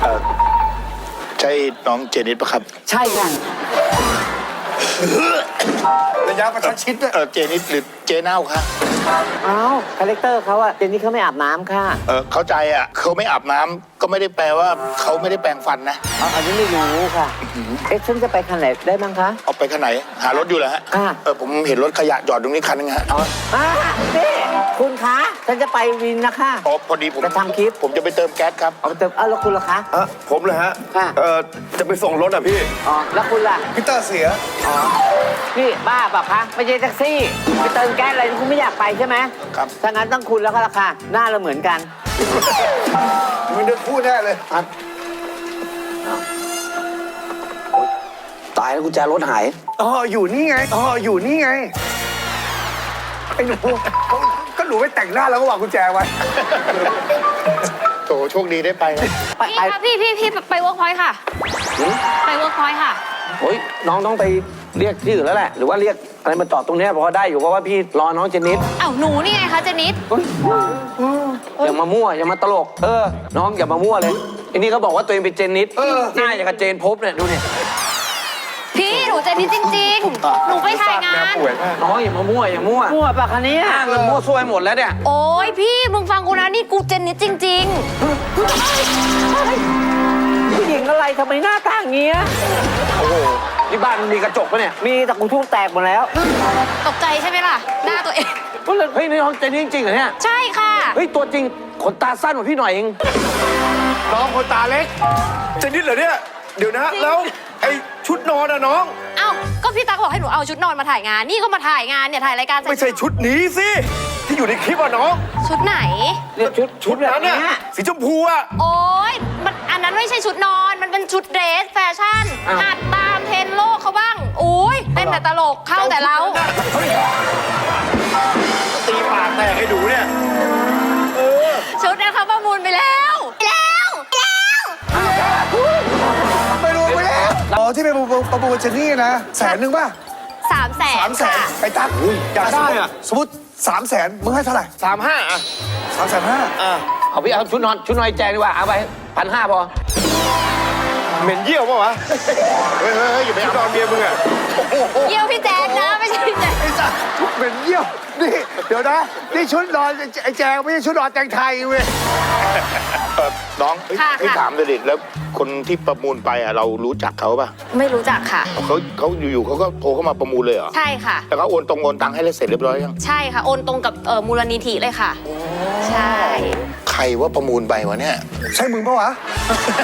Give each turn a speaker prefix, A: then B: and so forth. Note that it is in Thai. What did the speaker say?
A: ใช่น้องเจนิสปะครับ
B: ใช่ค่ะ
C: ระยะประชันชิดด้วย
A: เจนิสหรือเจเน่าคะ
B: อ้าวคาแรคเตอร์เขาอะเจนนี่เขาไม่อาบน้ำค่ะ
A: เข้าใจอ่ะเขาไม่อาบน้ำก็ไม่ได้แปลว่าเขาไม่ได้แปรงฟันนะ
B: อันนี้ไม่รู้ค่ะ เอ๊ะฉันจะไปคันไหนได้บ้างคะ
A: เอาไปคันไหนหารถอยู่เหรอฮะ
B: ค่ะ
A: ผมเห็นรถขยะจอดตรงนี้คันนึงฮะ
B: นี่คุณคะฉันจะไปวินนะคะ
A: อ๋อพอดีผม
B: จะทำคลิป
A: ผมจะไปเติมแก๊สครับ
B: เอาไปเติมแล้วคุณล่ะคะ
C: ผมเลยฮะ
B: ค่ะ
C: จะไปส่งรถอ่ะพี่
B: อ๋อแล้วคุณล่ะ
C: พีเตอร์เสีย
B: นี่บ้าเปล่าคะไม่ใช่แท็กซี่ไปเติมแก๊สอะไรคุณไม่อยากไปใช่ไหม
A: ครับ
B: ถ้างั้นต้องคุณแล้วก็ราคาหน้าเราเหมือนกัน
C: มึงเดินพูดแน่เลย
D: ตายแล้วกุญแจรถหาย
C: อยู่นี่ไงอยู่นี่ไงไอ้หนูก็หนูไปแต่งหน้าแล้วก็วางกุญแจไว้
A: โถโชคดีได้ไปนะ
E: พี่คะพี่ไปเวิร์กพอยต์ค่ะ ไปเวิร์กพอยต์ค่ะ
D: โอ้ยน้องต้องไปเรียกที่อื่นแล้วแหละ หรือว่าเรียกอะไรมาจอดตรงเนี้ยพอได้อยู่เพราะว่าพี่รอน้องเจนิส
E: เอ้าหนูนี่ไงคะเจนิส
D: อย่ามามั่วอย่ามาตลก น้องอย่ามามั่วเลยอันนี้เขาบอกว่าตัวเองเป็นเจนิสหน้าอย่างกับเจนพบเนี่ยดูเนี่ย
E: พี่หนูเจนิสจริงๆ หนูไปถ่ายงาน
D: น้องอย่ามามั่วอย่ามั่ว
B: มั่วปะคันนี้
D: อ้างเงินมั่วซั่วไปหมดแล้วเนี่ย
E: โอ้ยพี่มึงฟังกูนะนี่กูเจนิสจริง
B: ผู้หญิงอะไรทำไมหน้าตาอย่างเงี้ย
D: โอ้โหที่บ้านมีกระจกปะเนี่ย
B: มีแต่กูทุกแตกหมดแล้ว
E: ๆ ตกใจใช่ไหมล่ะ หน้าตัวเอง
D: ก็เลยเฮ้ยนี่น้องเจนิสจริงๆเหรอเนี่ย
E: ใช่ค่ะ
D: เฮ้ยตัวจริงขนตาสั้นกว่าพี่หน่อยเอง
C: น้องคนตาเล็กจะนิดเหรอเนี่ยเดี๋ยวนะแล้วไอ้ชุดนอนอะน้อง
E: เอ้าก็พี่ตั๊กบอกให้หนูเอาชุดนอนมาถ่ายงาน นี่ก็มาถ่ายงานเนี่ยถ่ายรายการ
C: ไม่ใช่ชุดนี้สิที่อยู่ในคลิปอะน้อง
E: ชุดไหน
B: เนี่ยชุดแบบ
C: นั้น
B: เนี้
C: น่ะ
B: ย
C: สีชมพูอะ
E: โอ้ยมันอันนั้นไม่ใช่ชุดนอน มันเป็นชุดเดรสแฟชั่น
D: อ้าว
E: หัดตามเทรนด์โลกเขาบ้างอุ้ยเต้นแต่ตลกเข้าแต่เรา
C: ตีปากแตกให้ดูเนี่ย
E: ชุดนั้นเขาประมูลไปแล้วแล้ว
C: ไปดูไปแล้วอ๋อที่ไปประมูลเจนนี่นะ100,000ป่ะ
E: 300,000
C: 300,000ไอ้ตั๊กอยากได้อะสมมติ300,000มึงให้เท่าไหร่
A: 35อ่ะ
C: 350,000
D: เอาพี่เอาชุดนอนแจงดีกว่าเอาไป1,500พอ
C: เหม็นเยี่ยวป่ะวะ
A: เฮ้ยอย่าไป
C: ชุ
A: เอา
C: ดนอนเมียมึงอะ
E: เยี่ยวพี่แจ๊ดนะไม่ใช่พี่แจ๊ด
C: ไอ้สัสเหม็นเยี่ยวนี่เดี๋ยวนะนี่ชุดนอนไอ้แจงไม่ใช่ชุดนอนแตงไทยเว้ย
A: น้อง
E: ค่ะ
A: พี่
E: ค่ะ
A: ถามเลยดิแล้วคนที่ประมูลไปอ่ะเรารู้จักเขาป่ะ
E: ไม่รู้จักค่ะ
A: เขาอยู่ๆเขาก็โทรเข้ามาประมูลเลยเหรอ
E: ใช่ค่ะ
A: แล้วเขาโอนตังค์ให้แล้วเสร็จเรียบร้อยยัง
E: ใช่ค่ะ โอนตรงกับมูลนิธิเลยค่ะ ใช่
A: ใครว่าประมูลไปวะเนี่ย
C: ใช่มึงปะวะ